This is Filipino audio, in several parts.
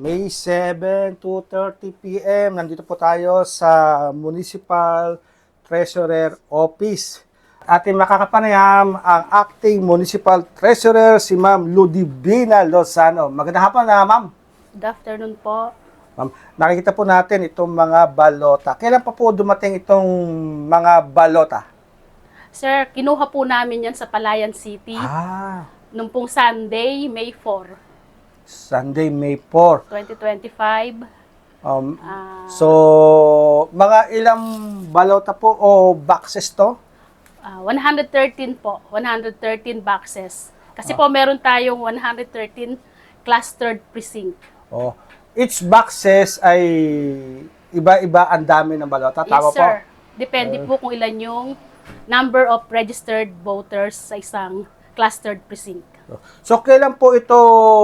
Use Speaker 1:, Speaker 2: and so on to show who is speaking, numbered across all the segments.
Speaker 1: May 7, 2:30 PM. Nandito po tayo sa Municipal Treasurer Office. Ating makakapanayam ang Acting Municipal Treasurer, si Ma'am Ludivina Lozano. Magandang hapon na, Ma'am.
Speaker 2: Good afternoon po.
Speaker 1: Ma'am, nakikita po natin itong mga balota. Kailan pa po dumating itong mga balota?
Speaker 2: Sir, kinuha po namin yan sa Palayan City nung pong Sunday, May 4,
Speaker 1: Sunday, May 4.
Speaker 2: 2025.
Speaker 1: So, mga ilang balota po o boxes to?
Speaker 2: 113 po, 113 boxes. Kasi po meron tayong 113 clustered precinct.
Speaker 1: Oh, each boxes ay iba-iba ang dami ng balota. Tama
Speaker 2: Yes, sir.
Speaker 1: po?
Speaker 2: Depende po kung ilan yung number of registered voters sa isang clustered precinct.
Speaker 1: So, kailan po ito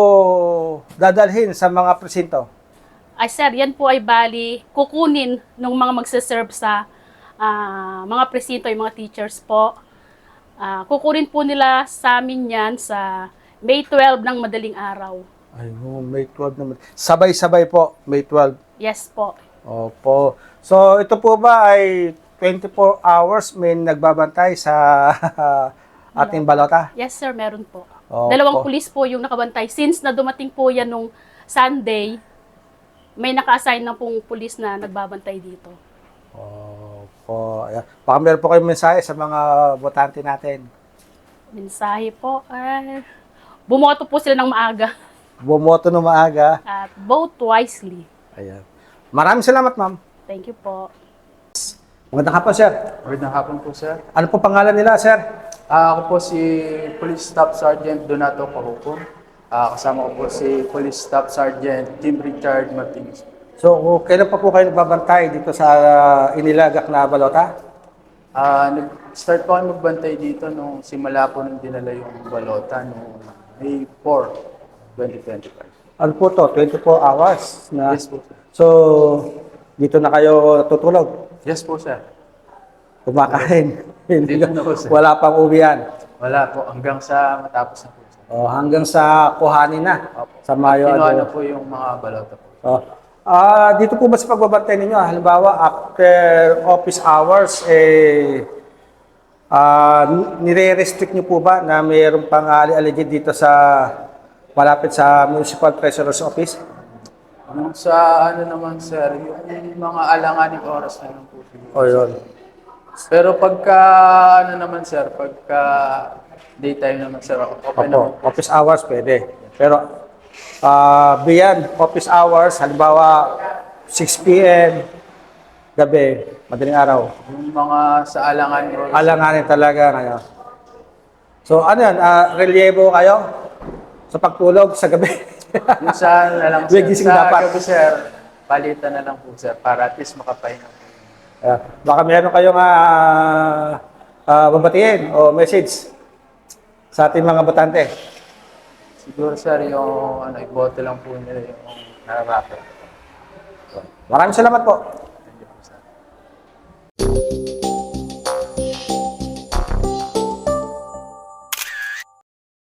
Speaker 1: dadalhin sa mga presinto?
Speaker 2: Ay sir, yan po ay bali kukunin ng mga magse-serve sa mga presinto, yung mga teachers po. Kukunin po nila sa amin yan sa May 12 ng madaling araw.
Speaker 1: Ay, May 12 naman. Sabay-sabay po, May 12.
Speaker 2: Yes po.
Speaker 1: Opo. So, ito po ba ay 24 hours may nagbabantay sa ating balota?
Speaker 2: Yes sir, meron po.
Speaker 1: Opo.
Speaker 2: Dalawang pulis po yung nakabantay. Since na dumating po yan nung Sunday, may naka-assign na pong pulis na nagbabantay dito.
Speaker 1: Opo. Ayan. Baka meron po kayong mensahe sa mga botante natin.
Speaker 2: Mensahe po, bumoto po sila ng maaga
Speaker 1: Bumoto ng maaga.
Speaker 2: at vote wisely.
Speaker 1: Ayan. Maraming salamat, ma'am.
Speaker 2: Thank you po.
Speaker 1: Magandang hapon, sir.
Speaker 3: Magandang hapon po, sir.
Speaker 1: Ano po pangalan nila, sir?
Speaker 3: Ako po si Police Staff Sergeant Donato Pahuco. Kasama ko po si Police Staff Sergeant Tim Richard Martinez.
Speaker 1: So, kailan pa po kayo nagbabantay dito sa inilagak na balota?
Speaker 3: Nag-start po kami magbantay dito nung simula po nung dinala yung balota noong May 4, 2025.
Speaker 1: Ano po to? 24 hours na?
Speaker 3: Yes po, sir.
Speaker 1: So, dito na kayo tutulog?
Speaker 3: Yes po, sir.
Speaker 1: Kumakain?
Speaker 3: Dito na po, sir.
Speaker 1: Wala pang uwian?
Speaker 3: Wala po, hanggang sa matapos na po, sir.
Speaker 1: Hanggang sa kuhanin na?
Speaker 3: Opo.
Speaker 1: Sa Mayo?
Speaker 3: Kinuha na po yung mga balota po.
Speaker 1: Dito po ba sa pagbabantay ninyo, halimbawa after office hours, nire-restrict nyo po ba na mayroong pang alleged dito sa malapit sa Municipal Treasurer's Office?
Speaker 3: Yung sa ano naman, sir, yung mga alanganing oras na lang po.
Speaker 1: O yun.
Speaker 3: Pero pagka, ano naman sir, pagka daytime naman sir, open naman.
Speaker 1: Opo, office hours pwede. Pero beyond office hours, halimbawa 6 p.m. gabi, madaling araw,
Speaker 3: Yung mga sa alanganing oras.
Speaker 1: alanganin talaga ngayon. So ano yan, relyebo kayo sa pagtulog sa gabi?
Speaker 3: Yung sa ano na lang
Speaker 1: May
Speaker 3: sir,
Speaker 1: gising
Speaker 3: sa
Speaker 1: dapat.
Speaker 3: gabi sir, palitan na lang po sir, para at least makapahinga.
Speaker 1: Baka meron kayong babatiin o message sa ating mga botante.
Speaker 3: Siguro sir, yung ano, ibote lang po nila yung nararapat.
Speaker 1: Maraming salamat po.